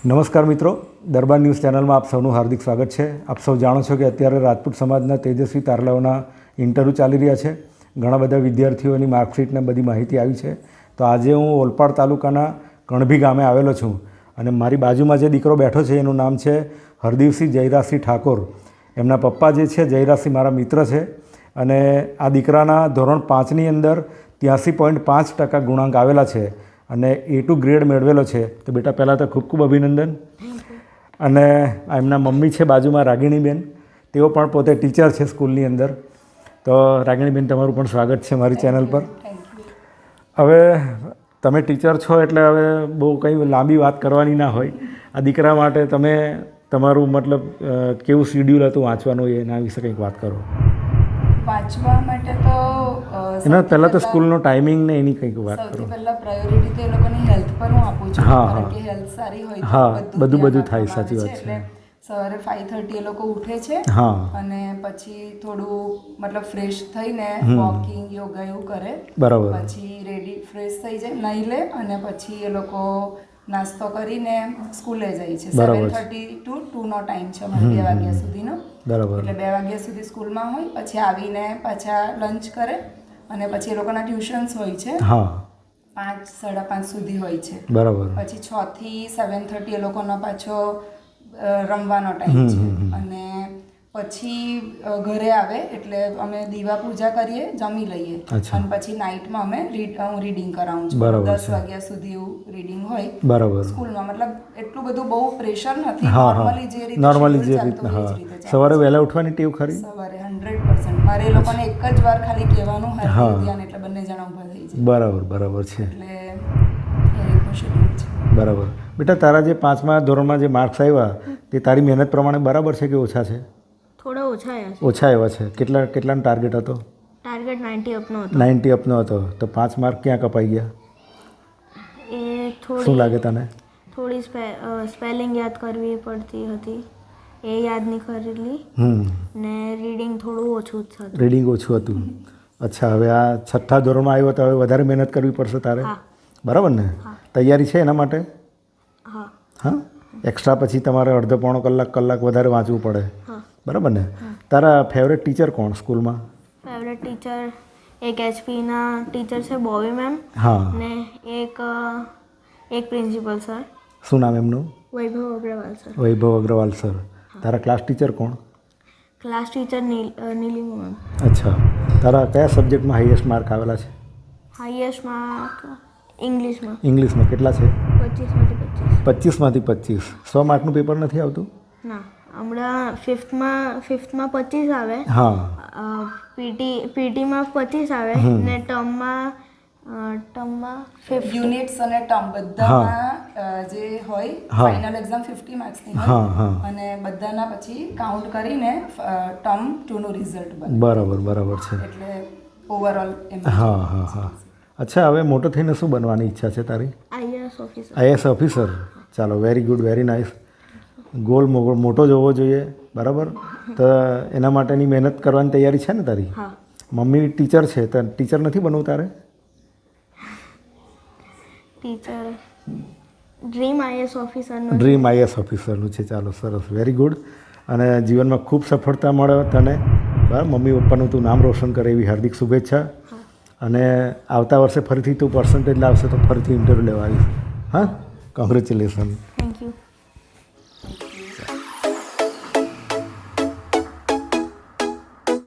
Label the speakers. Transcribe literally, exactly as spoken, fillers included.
Speaker 1: નમસ્કાર મિત્રો, દરબાર ન્યૂઝ ચેનલમાં આપ સૌનું હાર્દિક સ્વાગત છે। આપ સૌ જાણો છો કે અત્યારે રાજપૂત સમાજના તેજસ્વી તારલાઓના ઇન્ટરવ્યૂ ચાલી રહ્યા છે। ઘણા બધા વિદ્યાર્થીઓની માર્કશીટને બધી માહિતી આવી છે। તો આજે હું ઓલપાડ તાલુકાના કણભી ગામે આવેલો છું અને મારી બાજુમાં જે દીકરો બેઠો છે એનું નામ છે હરદીવસિંહ જયરાજસિંહ ઠાકોર। એમના પપ્પા જે છે જયરાજસિંહ મારા મિત્ર છે અને આ દીકરાના ધોરણ પાંચની અંદર ત્યાંસી પોઈન્ટ પાંચ ટકા ગુણાંક આવેલા છે અને એ ટુ ગ્રેડ મેળવેલો છે। તો બેટા પહેલાં તો ખૂબ ખૂબ અભિનંદન। અને એમના મમ્મી છે બાજુમાં રાગિણીબેન, તેઓ પણ પોતે ટીચર છે સ્કૂલની અંદર। તો રાગિણીબેન, તમારું પણ સ્વાગત છે મારી ચેનલ પર। હવે તમે ટીચર છો એટલે હવે બહુ કંઈ લાંબી વાત કરવાની ના હોય। આ દીકરા માટે તમે તમારું મતલબ કેવું શિડ્યુલ હતું વાંચવાનું, એના વિશે કંઈક વાત કરો।
Speaker 2: વાંચવા માટે તો
Speaker 1: એના પહેલાં તો સ્કૂલનો ટાઈમિંગ ને એની કંઈક વાત કરો।
Speaker 2: સૌથી પહેલાં પ્રાયોરિટી તો એ લોકોની હેલ્થ પર હું આપું છું,
Speaker 1: હા,
Speaker 2: કારણ
Speaker 1: હા।
Speaker 2: કે હેલ્થ સારી હોય
Speaker 1: હા,
Speaker 2: તો
Speaker 1: બધું બધું
Speaker 2: ધ્યાન
Speaker 1: થાય,
Speaker 2: આપવામાં
Speaker 1: સાચી
Speaker 2: આવે
Speaker 1: વાત
Speaker 2: છે। એટલે સવારે ફાઈવ થર્ટી એ લોકો ઉઠે છે
Speaker 1: હા
Speaker 2: અને પછી થોડું મતલબ ફ્રેશ થઈને વોકિંગ યોગા એવું કરે।
Speaker 1: બરાબર।
Speaker 2: પછી રેડી ફ્રેશ થઈ જાય, નાહી લે અને પછી એ લોકો નાસ્તો કરીને સ્કૂલે જાય છે। સેવન થર્ટી ટુ ટુનો ટાઈમ છે અમારે, બે વાગ્યા સુધીનો।
Speaker 1: બરાબર।
Speaker 2: એટલે બે વાગ્યા સુધી સ્કૂલમાં હોય, પછી આવીને પાછા લંચ કરે અને પછી એ લોકોના ટ્યુશન્સ હોય છે।
Speaker 1: હા,
Speaker 2: પાંચ સાડા પાંચ સુધી હોય છે।
Speaker 1: બરાબર।
Speaker 2: પછી છ થી સેવન થર્ટી એ લોકોનો પાછો રમવાનો ટાઈમ છે અને પછી ઘરે આવે એટલે અમે દીવા પૂજા કરીએ, જમી લઈએ અને પછી નાઇટમાં અમે રીડ હું રીડિંગ કરાવું છું। દસ વાગ્યા સુધી એવું રીડિંગ હોય
Speaker 1: બરાબર
Speaker 2: સ્કૂલમાં। મતલબ એટલું બધું બહુ પ્રેશર નથી, નોર્મલી જે રીતે
Speaker 1: નોર્મલી જે
Speaker 2: ચાલતું
Speaker 1: રીતના।
Speaker 2: હોય એ જ
Speaker 1: હા,
Speaker 2: રીતે ચાલે।
Speaker 1: સવારે વહેલા ઉઠવાની ટેવ ખરી?
Speaker 2: સવારે હંડ્રેડ પર્સન્ટ મારે એ લોકોને એક જ વાર ખાલી કહેવાનું હાર્દિક ધ્યાન, એટલે બંને જણા ઊભા થઈ જાય।
Speaker 1: બરાબર બરાબર છે।
Speaker 2: એટલે એ રીતનું શેડ્યુલ છે।
Speaker 1: બરાબર। બેટા, તારા જે પાંચમા ધોરણમાં જે માર્ક્સ આવ્યા તે તારી મહેનત પ્રમાણે બરાબર છે કે ઓછા છે?
Speaker 3: થોડા ઓછા આવ્યા છે।
Speaker 1: ઓછા આવ્યા છે। કેટલા કેટલાનો ટાર્ગેટ હતો?
Speaker 3: ટાર્ગેટ નાઇન્ટી અપનો હતો।
Speaker 1: નાઇન્ટી અપનો હતો, તો પાંચ માર્ક ક્યાં કપાઈ ગયા?
Speaker 3: એ થોડી
Speaker 1: શું લાગે તને?
Speaker 3: થોડી સ્પેલિંગ યાદ કરવી પડતી હતી, એ યાદ નહીં કરેલી
Speaker 1: હમ
Speaker 3: ને રીડિંગ થોડું ઓછું જ હતું।
Speaker 1: રીડિંગ ઓછું હતું। અચ્છા, હવે આ છઠ્ઠા ધોરણમાં આવ્યો તો હવે વધારે મહેનત કરવી પડશે તારે, બરાબર ને? તૈયારી છે એના માટે?
Speaker 3: હા
Speaker 1: હા, એક્સ્ટ્રા પછી તમારે અડધો પોણો કલાક કલાક વધારે વાંચવું પડે,
Speaker 3: હા
Speaker 1: બરાબર ને? તારા ફેવરેટ ટીચર કોણ સ્કૂલમાં?
Speaker 3: ફેવરેટ ટીચર એક એચપીના ટીચર છે બોબી મેમ,
Speaker 1: હા,
Speaker 3: ને એક એક પ્રિન્સિપલ સર।
Speaker 1: શું નામ એમનું?
Speaker 3: વૈભવ અગ્રવાલ સર।
Speaker 1: વૈભવ અગ્રવાલ સર। તારા ક્લાસ ટીચર કોણ?
Speaker 3: Class teacher Neel Neelima ma'am.
Speaker 1: અચ્છા, તારા કયા સબ્જેક્ટમાં હાઈએસ્ટ માર્ક આવેલા છે?
Speaker 3: હાઈએસ્ટ માર્ક ઇંગ્લિશમાં।
Speaker 1: ઇંગ્લિશમાં કેટલા છે?
Speaker 3: પચીસમાંથી પચીસ।
Speaker 1: પચીસમાંથી પચીસ। સો માર્કનું પેપર નથી આવતું?
Speaker 3: ના, હમણાં ફિફ્થમાં ફિફ્થમાં પચીસ આવે,
Speaker 1: હા,
Speaker 3: પીટી પીટીમાં પચીસ આવે ને ટર્મમાં ટર્મમાં
Speaker 2: યુનિટ્સ અને ટર્મ બધામાં જે હોય ફાઇનલ એક્ઝામ ફિફ્ટી માર્ક્સની હોય અને બધાના પછી કાઉન્ટ કરીને ટર્મ ટુનું રિઝલ્ટ બને।
Speaker 1: બરાબર બરાબર છે।
Speaker 2: એટલે ઓવરઓલ
Speaker 1: હા હા હા। અચ્છા, હવે મોટો થઈને શું બનવાની ઈચ્છા છે તારી?
Speaker 3: IAS officer.
Speaker 1: IAS officer. ચાલો, very good, very nice. Goal મોટો જ હોવો જોઈએ, બરાબર? તો એના માટેની મહેનત કરવાની તૈયારી છે ને તારી?
Speaker 3: હા।
Speaker 1: મમ્મી ટીચર છે, તો ટીચર નથી બનવું તારે?
Speaker 3: ટીચર ડ્રીમ આઈએએસ ઓફિસરનું
Speaker 1: ડ્રીમ આઈએએસ ઓફિસરનું છે। ચાલો, સરસ, વેરી ગુડ। અને જીવનમાં ખૂબ સફળતા મળે તને, બરાબર? મમ્મી પપ્પાનું તું નામ રોશન કરે એવી હાર્દિક શુભેચ્છા। અને આવતા વર્ષે ફરીથી તું પર્સન્ટેજ લાવશે તો ફરીથી ઇન્ટરવ્યૂ લેવા આવીશ। હા, કોંગ્રેચ્યુલેશન।